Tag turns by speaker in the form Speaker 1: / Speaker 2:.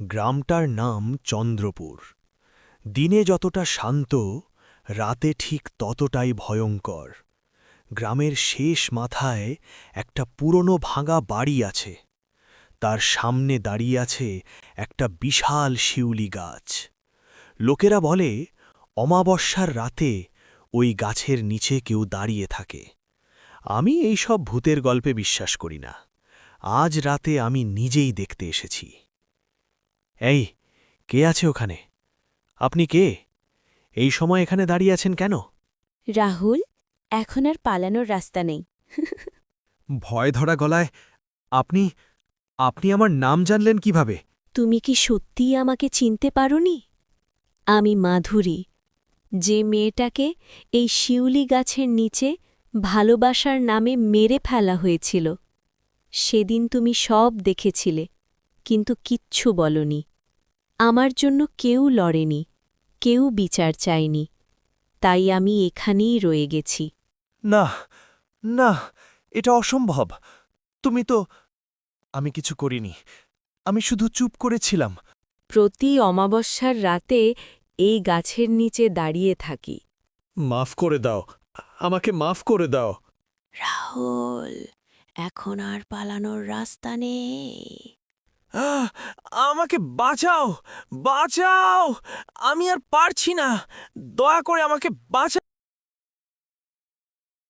Speaker 1: গ্রামটার নাম চন্দ্রপুর। দিনে যতটা শান্ত, রাতে ঠিক ততটাই ভয়ঙ্কর। গ্রামের শেষ মাথায় একটা পুরনো ভাঙা বাড়ি আছে। তার সামনে দাঁড়িয়ে আছে একটা বিশাল শিউলি গাছ। লোকেরা বলে অমাবস্যার রাতে ওই গাছের নিচে কেউ দাঁড়িয়ে থাকে। আমি এই সব ভূতের গল্পে বিশ্বাস করি না। আজ রাতে আমি নিজেই দেখতে এসেছি। এই, কে আছে ওখানে? আপনি কে? এই সময় এখানে দাঁড়িয়ে আছেন কেন?
Speaker 2: রাহুল, এখন আর পালানোর রাস্তা নেই।
Speaker 1: ভয় ধরা গলায়, আপনি আপনি আমার নাম জানলেন কিভাবে?
Speaker 2: তুমি কি সত্যিই আমাকে চিনতে পারোনি? আমি মাধুরী, যে মেয়েটাকে এই শিউলি গাছের নিচে ভালোবাসার নামে মেরে ফেলা হয়েছিল। সেদিন তুমি সব দেখেছিলে, কিন্তু কিচ্ছু বলনি। আমার জন্য কেউ লড়েনি, কেউ বিচার চায়নি, তাই আমি এখানেই রয়ে গেছি।
Speaker 1: না, না, এটা অসম্ভব। তুমি তো... আমি কিছু করিনি। আমি শুধু চুপ করেছিলাম।
Speaker 2: প্রতি অমাবস্যার রাতে এই গাছের নিচে দাঁড়িয়ে থাকি।
Speaker 1: মাফ করে দাও, আমাকে মাফ করে দাও।
Speaker 2: রাহুল, এখন আর পালানোর রাস্তা নেই।
Speaker 1: আহ! আমাকে বাঁচাও, বাঁচাও! আমি আর পারছি না। দয়া করে আমাকে বাঁচাও।